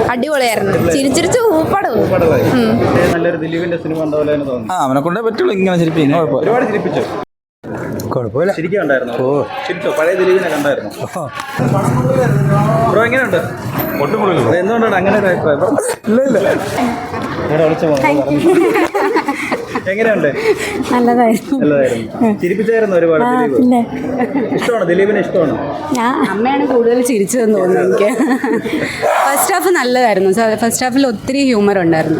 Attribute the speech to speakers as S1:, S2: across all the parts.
S1: അടിപൊളിയായിരുന്നു. ചിരിച്ചിരിച്ച്
S2: നല്ലൊരു ദിലീപിന്റെ സിനിമ
S3: അവനെ കൊണ്ടേ പറ്റുള്ളൂ ഇങ്ങനെ ചിരിപ്പിക്കും.
S2: ഒരുപാട് ചിരിപ്പിച്ചോ?
S3: കുഴപ്പമില്ല.
S2: ശരിക്കുണ്ടായിരുന്നു. ചിരിച്ചോ? പഴയ ദിലീപിനെ കണ്ടായിരുന്നു. ബ്രോ എങ്ങനെയുണ്ട്? എന്തുകൊണ്ടാണ് അങ്ങനെ ഒരു അഭിപ്രായം? എങ്ങനെയുണ്ട്? നല്ലതായിരുന്നു. ചിരിപ്പിച്ചായിരുന്നു ഒരുപാട്. ഇഷ്ടമാണോ ദിലീപിനെ? ഇഷ്ടമാണോ?
S4: ഞാൻ അമ്മയാണ് കൂടുതൽ ചിരിച്ചതെന്ന് തോന്നുന്നു എനിക്ക്. ഫസ്റ്റ് ഹാഫ് നല്ലതായിരുന്നു. ഫസ്റ്റ് ഹാഫിൽ ഒത്തിരി ഹ്യൂമർ ഉണ്ടായിരുന്നു.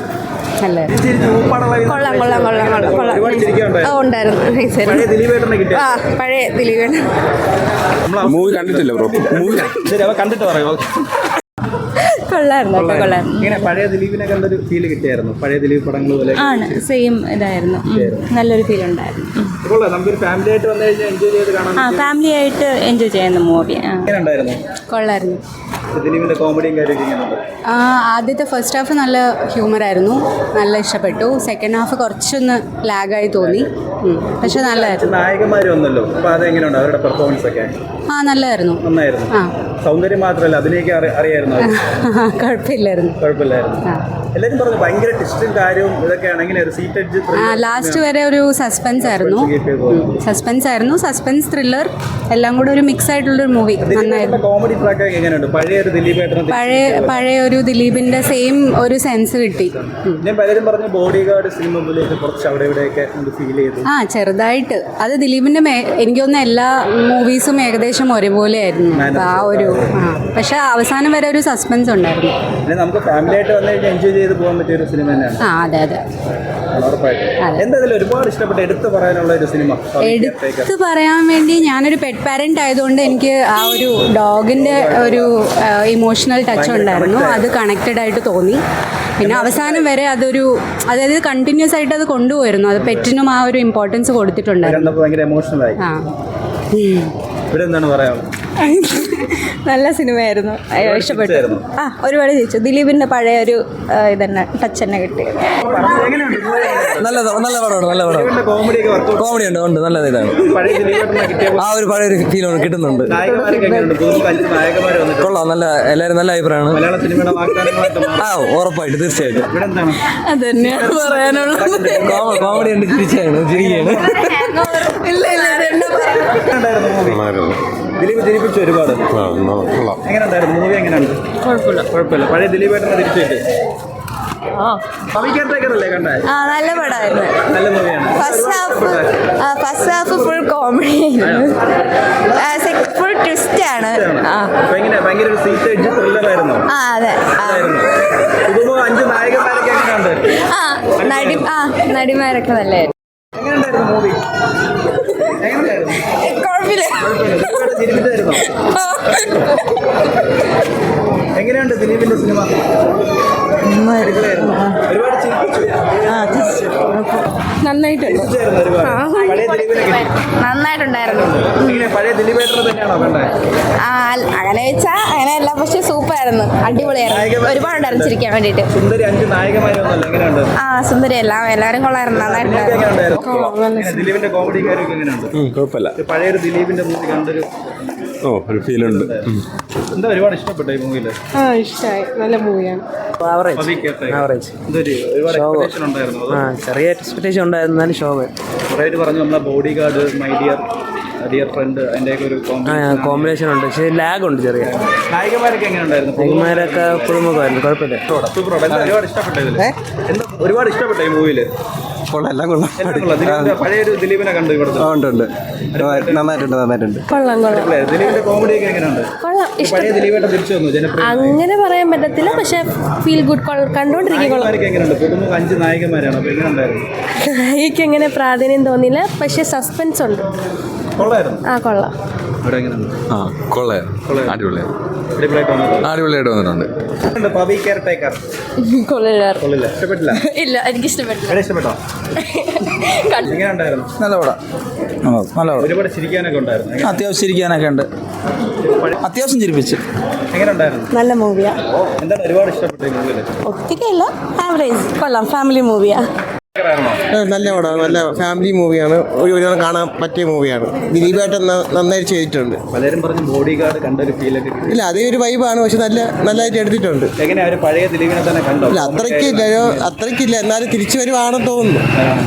S1: പഴയ ദിലീപേട്ടൻ
S3: മൂവി കണ്ടിട്ടില്ല ബ്രോ.
S2: കണ്ടിട്ട് പറയുമോ?
S4: കൊള്ളായിരുന്നു.
S2: പഴയ ദിലീപിനെ കണ്ടൊരു ഫീല് കിട്ടിയായിരുന്നു. പഴയ ദിലീപ് പടങ്ങൾ പോലെ
S4: ആണ്. സെയിം ഇതായിരുന്നു. നല്ലൊരു ഫീൽ ഉണ്ടായിരുന്നു.
S2: നമുക്കൊരു ഫാമിലി ആയിട്ട് വന്നു കഴിഞ്ഞാൽ എൻജോയ് ചെയ്ത് കാണാം.
S4: ഫാമിലി ആയിട്ട് എൻജോയ് ചെയ്യുന്ന മൂവി. കൊള്ളായിരുന്നു.
S2: ദിലീപിന്റെ കോമഡിയും കാര്യമൊക്കെ
S4: ആദ്യത്തെ ഫസ്റ്റ് ഹാഫ് നല്ല ഹ്യൂമറായിരുന്നു. നല്ല ഇഷ്ടപ്പെട്ടു. സെക്കൻഡ് ഹാഫ് കുറച്ചൊന്ന് ലാഗായി തോന്നി. പക്ഷെ നല്ലതായിരുന്നു.
S2: നായകന്മാർ വന്നല്ലോ, അപ്പൊ അതെങ്ങനെയുണ്ട് അവരുടെ പെർഫോമൻസ് ഒക്കെ?
S4: നല്ലതായിരുന്നു.
S2: നന്നായിരുന്നു. സൗന്ദര്യം മാത്രമല്ല അതിനെയൊക്കെ അറിയായിരുന്നു.
S4: കുഴപ്പമില്ലായിരുന്നു.
S2: എല്ലാരും പറഞ്ഞു ഭയങ്കര ട്വിസ്റ്റും കാര്യവും ഇതൊക്കെയാണ്. എങ്ങനെ ഒരു സീറ്റ് എഡ്ജ്
S4: ലാസ്റ്റ് വരെ ഒരു സസ്പെൻസ് ആയിരുന്നു. സസ്പെൻസ് ത്രില്ലർ എല്ലാം കൂടെ ഒരു മിക്സ് ആയിട്ടുള്ളൊരു മൂവി. നന്നായിരുന്നു.
S2: കോമഡി ട്രാക്ക് എങ്ങനെയുണ്ട്?
S4: പഴയ ഒരു ദിലീപിന്റെ സെയിം ഒരു സെൻസ് കിട്ടി.
S2: പലരും പറഞ്ഞു ബോഡി ഗാർഡ് സിനിമ പോലെയൊക്കെ കുറച്ച് അവിടെ ഇവിടെയൊക്കെ ഫീൽ ചെയ്തു.
S4: ചെറുതായിട്ട്. അത് ദിലീപിന്റെ എനിക്ക് തോന്നുന്ന എല്ലാ മൂവീസും ഏകദേശം ഒരേപോലെ ആയിരുന്നു. പക്ഷെ അവസാനം വരെ ഒരു സസ്പെൻസ് ഉണ്ടായിരുന്നു.
S2: നമുക്ക് ഫാമിലി ആയിട്ട് വന്നു കഴിഞ്ഞാൽ എൻജോയ് ചെയ്ത് പോകാൻ പറ്റിയ ഒരു സിനിമ തന്നെയാണ്.
S4: അതെ.
S2: എന്തായാലും ഒരുപാട് ഇഷ്ടപ്പെട്ട എടുത്തു പറയാനുള്ള ഒരു സിനിമ?
S4: എടുത്തു പറയാൻ വേണ്ടി ഞാനൊരു പെറ്റ് പാരന്റ് ആയതുകൊണ്ട് എനിക്ക് ആ ഒരു ഡോഗിന്റെ ഒരു ഇമോഷണൽ ടച്ച് ഉണ്ടായിരുന്നു. അത് കണക്റ്റഡ് ആയിട്ട് തോന്നി. പിന്നെ അവസാനം വരെ അതായത് കണ്ടിന്യൂസ് ആയിട്ട് അത് കൊണ്ടുപോയിരുന്നു. അത് പെറ്റിനും ആ ഒരു ഇമ്പോർട്ടൻസ് കൊടുത്തിട്ടുണ്ടായിരുന്നു.
S1: നല്ല സിനിമയായിരുന്നു. ഇഷ്ടപ്പെട്ടു. ഒരുപാട് ചോദിച്ചു. ദിലീപിന്റെ പഴയ ഒരു ഇതന്നെ ടച്ച് തന്നെ കിട്ടി.
S3: നല്ല പടമാണ്. നല്ല പടം. കോമഡി ഉണ്ട്. നല്ല ഇതാണ്. ആ ഒരു പഴയ ഒരു ഫീൽ കിട്ടുന്നുണ്ട്. കൊള്ളാം. നല്ല എല്ലാവരും നല്ല അഭിപ്രായമാണ്. ഉറപ്പായിട്ട് തീർച്ചയായിട്ടും
S4: അതന്നെയാണ് പറയാനുള്ളത്.
S3: കോമഡി ഉണ്ട്. ചിരിക്കുകയാണ്.
S2: ദിലീപ് ചിരിപ്പിച്ചു ഒരുപാട്. എങ്ങനെയുണ്ടായിരുന്നു മൂവി? എങ്ങനെയുണ്ട്? കുഴപ്പമില്ല. പഴയ ദിലീപേട്ടനെ തിരിച്ചു കിട്ടി.
S1: നല്ല പടമായിരുന്നു.
S2: നല്ല മൂവിയാണ്.
S1: ഫസ്റ്റ് ഹാഫ് ഫുൾ കോമഡി ആയിരുന്നു. ഫുൾ ട്വിസ്റ്റ് ആണ്.
S2: ഭയങ്കര ഒരു സീറ്റ് എഡ്ജ് ത്രില്ലറായിരുന്നു.
S1: അതെ.
S2: 5 നായകന്മാരൊക്കെ എങ്ങനെയുണ്ട്?
S1: നടിമാരൊക്കെ നല്ലതായിരുന്നു.
S2: എങ്ങനെയുണ്ടായിരുന്നു മൂവി? എങ്ങനെയുണ്ട് ദിലീപിന്റെ സിനിമ? ഒരുപാട്
S1: നന്നായിട്ടുണ്ടായിരുന്നു.
S2: പഴയ ദിലീപേട്ടനെ തന്നെയാണോ കണ്ടത്?
S1: അങ്ങനെ വെച്ചാ അങ്ങനെയല്ല, പക്ഷെ സൂപ്പറായിരുന്നു. അടിപൊളിയായിരുന്നു. ഒരുപാടുണ്ടായിരുന്നു ചിരിക്കാൻ വേണ്ടിട്ട്.
S2: സുന്ദരി 5 നായകന്മാരൊന്നുമല്ല. എങ്ങനെയുണ്ട്?
S1: സുന്ദരി എല്ലാവരും കൊള്ളായിരുന്നു. നന്നായിട്ടുണ്ടായിരുന്നു.
S2: ദിലീപിന്റെ കോമഡി കാര്യമൊക്കെ എങ്ങനെയുണ്ട്?
S3: കുഴപ്പമില്ല.
S2: പഴയൊരു ദിലീപിന്റെ മൂവി കണ്ടൊരു
S3: ഒരു ഫീലുണ്ട്.
S2: എന്താ ഒരുപാട് ഇഷ്ടപ്പെട്ടു ഈ മൂവിയില്?
S4: ഇഷ്ടമായി. നല്ല മൂവിയാണ്.
S5: ചെറിയ എക്സ്പെക്ടേഷൻ ഉണ്ടായിരുന്നു. എന്നാലും ഷോ
S2: പറഞ്ഞു നമ്മളെ bodyguard, my dear friend, അതിൻ്റെയൊക്കെ ഒരു
S5: കോമ്പിനേഷൻ ഉണ്ട്. പക്ഷേ ലാഗ് ഉണ്ട് ചെറിയ.
S2: നായകന്മാരൊക്കെ എങ്ങനെ ഉണ്ടായിരുന്നു?
S5: നായകന്മാരൊക്കെ പുതുമുഖമായിരുന്നു. കുഴപ്പമില്ല.
S2: ഒരുപാട് ഇഷ്ടപ്പെട്ട ഈ മൂവിയില്. പഴയൊരു ദിലീപിനെ കണ്ടു ഇവിടെ.
S5: നന്നായിട്ടുണ്ട്.
S2: ദിലീപിന്റെ കോമഡി ഒക്കെ എങ്ങനെയുണ്ട്? പഴയ ദിലീപേട്ടൻ തിരിച്ചു വന്നു.
S1: അങ്ങനെ പറയാൻ പറ്റത്തില്ല, പക്ഷെ ഫീൽ ഗുഡ്. കണ്ടോണ്ടിരിക്കും.
S2: എങ്ങനെയുണ്ട്? 5 നായകന്മാരാണ്. അപ്പൊ എങ്ങനെ ഉണ്ടായിരുന്നു?
S1: നായികയ്ക്ക് അങ്ങനെ പ്രാധാന്യം തോന്നിയില്ല, പക്ഷെ സസ്പെൻസ് ഉണ്ട്.
S2: കൊള്ളായിരുന്നു.
S1: കൊള്ളാം.
S3: അടിപൊളിയായിട്ട് വന്നിട്ടുണ്ട്.
S2: ഇഷ്ടപ്പെട്ടില്ല?
S1: ഇല്ല, എനിക്ക് ഇഷ്ടപ്പെട്ടില്ല.
S2: ഇഷ്ടപ്പെട്ടോ? എങ്ങനെ ഉണ്ടായിരുന്നു?
S3: നല്ല പടം.
S2: ഒരുപാട് ചിരിക്കാനൊക്കെ ഉണ്ടായിരുന്നു.
S3: അത്യാവശ്യം ചിരിക്കാനൊക്കെ ഉണ്ട്. അത്യാവശ്യം ചിരിപ്പിച്ചു.
S2: എങ്ങനെ ഉണ്ടായിരുന്നു?
S1: നല്ല മൂവിയാ.
S2: എന്താണ് ഒരുപാട് ഇഷ്ടപ്പെട്ട മൂവിയില്?
S1: ഒത്തിരിയല്ല, ആവറേജ്. കൊള്ളാം. ഫാമിലി മൂവിയാ.
S6: നല്ല പടമാണ്, നല്ല ഫാമിലി മൂവിയാണ്, ഒരു കാണാൻ പറ്റിയ മൂവിയാണ്. ദിലീപേട്ടൻ നന്നായിട്ട് ചെയ്തിട്ടുണ്ട്.
S2: പലരും പറഞ്ഞ് ബോഡി ഗാർഡ് കണ്ടൊരു ഫീലൊക്കെ കിട്ടി.
S6: ഇല്ല, അതേ ഒരു വൈബാണ്, പക്ഷെ നല്ലതായിട്ട് എടുത്തിട്ടുണ്ട്.
S2: എങ്ങനെയാ ഒരു പഴയ ദിലീപിനെ തന്നെ കണ്ടോ?
S6: ഇല്ല, അത്രയ്ക്കില്ല, എന്നാലും തിരിച്ചു വരുവാണെന്ന് തോന്നുന്നു.